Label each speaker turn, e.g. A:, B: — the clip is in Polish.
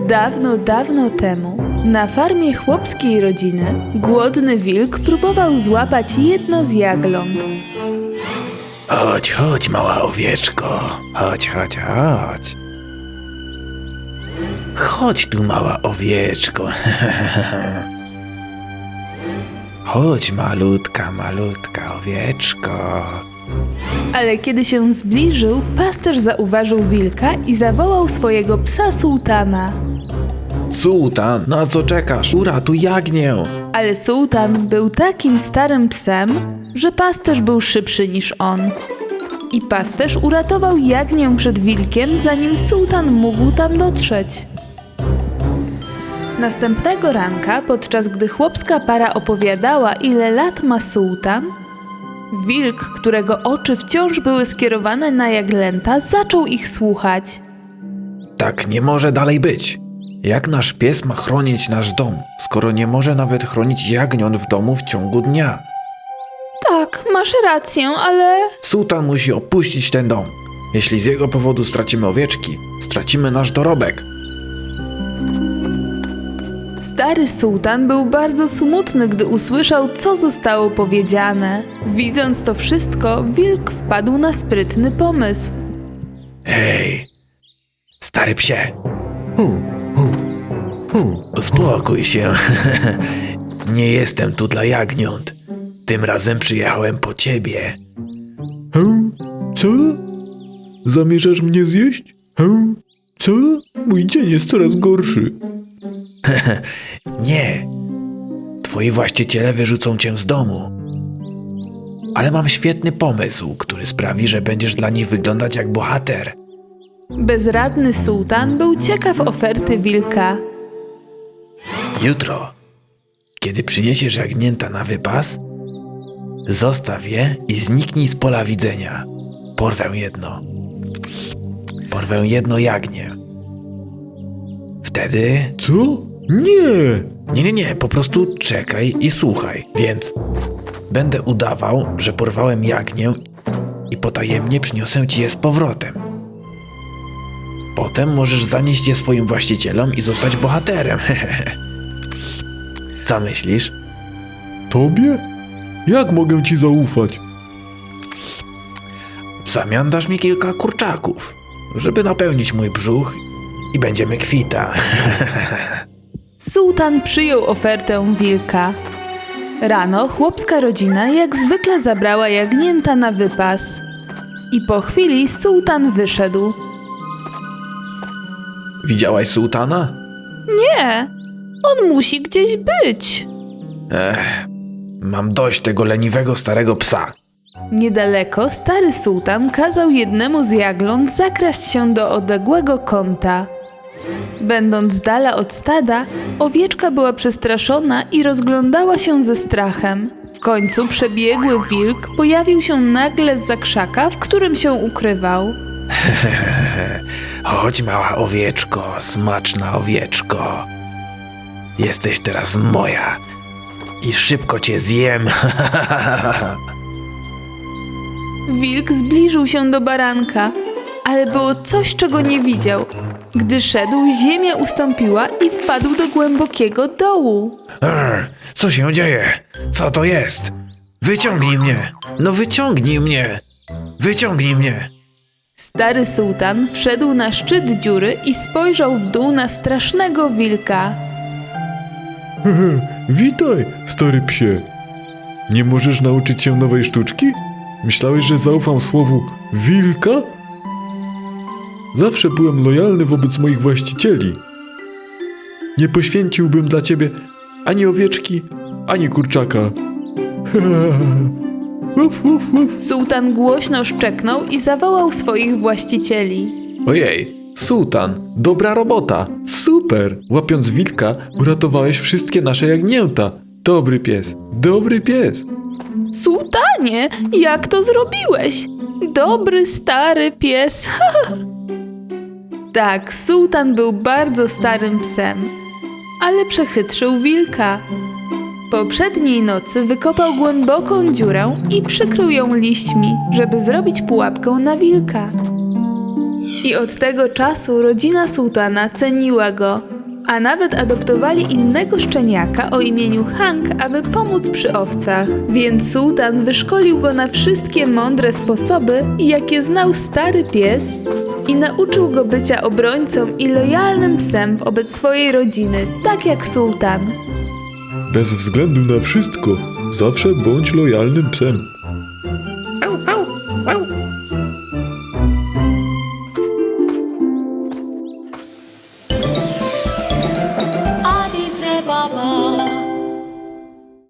A: Dawno, dawno temu, na farmie chłopskiej rodziny, głodny wilk próbował złapać jedno z jagląt.
B: Chodź, chodź, mała owieczko. Chodź, chodź, chodź. Chodź tu, mała owieczko. Chodź, malutka, malutka owieczko.
A: Ale kiedy się zbliżył, pasterz zauważył wilka i zawołał swojego psa Sułtana.
B: Sułtan, na co czekasz? Uratuj jagnię.
A: Ale Sułtan był takim starym psem, że pasterz był szybszy niż on. I pasterz uratował jagnię przed wilkiem, zanim Sułtan mógł tam dotrzeć. Następnego ranka, podczas gdy chłopska para opowiadała, ile lat ma Sułtan, wilk, którego oczy wciąż były skierowane na jaglęta, zaczął ich słuchać.
B: Tak nie może dalej być. Jak nasz pies ma chronić nasz dom, skoro nie może nawet chronić jagniąt w domu w ciągu dnia?
A: Tak, masz rację, ale...
B: Sułtan musi opuścić ten dom. Jeśli z jego powodu stracimy owieczki, stracimy nasz dorobek.
A: Stary sułtan był bardzo smutny, gdy usłyszał, co zostało powiedziane. Widząc to wszystko, wilk wpadł na sprytny pomysł.
B: Hej, stary psie. Uspokój się. Nie jestem tu dla jagniąt. Tym razem przyjechałem po ciebie.
C: Co? Zamierzasz mnie zjeść? Co? Mój dzień jest coraz gorszy.
B: Nie. Twoi właściciele wyrzucą cię z domu. Ale mam świetny pomysł, który sprawi, że będziesz dla nich wyglądać jak bohater.
A: Bezradny sułtan był ciekaw oferty wilka.
B: Jutro, kiedy przyniesiesz jagnięta na wypas, zostaw je i zniknij z pola widzenia. Porwę jedno jagnię. Wtedy...
C: Co? Nie!
B: Nie, po prostu czekaj i słuchaj. Więc będę udawał, że porwałem jagnię i potajemnie przyniosę ci je z powrotem. Potem możesz zanieść je swoim właścicielom i zostać bohaterem. Co myślisz?
C: Tobie? Jak mogę ci zaufać?
B: W zamian dasz mi kilka kurczaków, żeby napełnić mój brzuch i będziemy kwita.
A: Sułtan przyjął ofertę wilka. Rano chłopska rodzina jak zwykle zabrała jagnięta na wypas. I po chwili sułtan wyszedł.
B: Widziałaś sułtana?
A: Nie, on musi gdzieś być.
B: Mam dość tego leniwego starego psa.
A: Niedaleko stary sułtan kazał jednemu z jagląt zakraść się do odległego kąta. Będąc z dala od stada, owieczka była przestraszona i rozglądała się ze strachem. W końcu przebiegły wilk pojawił się nagle zza krzaka, w którym się ukrywał.
B: Chodź, mała owieczko, smaczna owieczko. Jesteś teraz moja i szybko cię zjem.
A: Wilk zbliżył się do baranka, ale było coś, czego nie widział. Gdy szedł, ziemia ustąpiła i wpadł do głębokiego dołu.
B: Co się dzieje? Co to jest? Wyciągnij mnie! No wyciągnij mnie! Wyciągnij mnie!
A: Stary sułtan wszedł na szczyt dziury i spojrzał w dół na strasznego wilka.
C: Witaj, stary psie. Nie możesz nauczyć się nowej sztuczki? Myślałeś, że zaufam słowu wilka? Zawsze byłem lojalny wobec moich właścicieli. Nie poświęciłbym dla ciebie ani owieczki, ani kurczaka. Uf, uf, uf.
A: Sułtan głośno szczeknął i zawołał swoich właścicieli.
C: Ojej, sułtan, dobra robota, super! Łapiąc wilka, uratowałeś wszystkie nasze jagnięta. Dobry pies, dobry pies.
A: Sułtanie, jak to zrobiłeś? Dobry, stary pies. Tak, sułtan był bardzo starym psem, ale przechytrzył wilka. Poprzedniej nocy wykopał głęboką dziurę i przykrył ją liśćmi, żeby zrobić pułapkę na wilka. I od tego czasu rodzina sułtana ceniła go. a nawet adoptowali innego szczeniaka o imieniu Hank, aby pomóc przy owcach. Więc sułtan wyszkolił go na wszystkie mądre sposoby, jakie znał stary pies i nauczył go bycia obrońcą i lojalnym psem wobec swojej rodziny, tak jak sułtan.
C: Bez względu na wszystko, zawsze bądź lojalnym psem.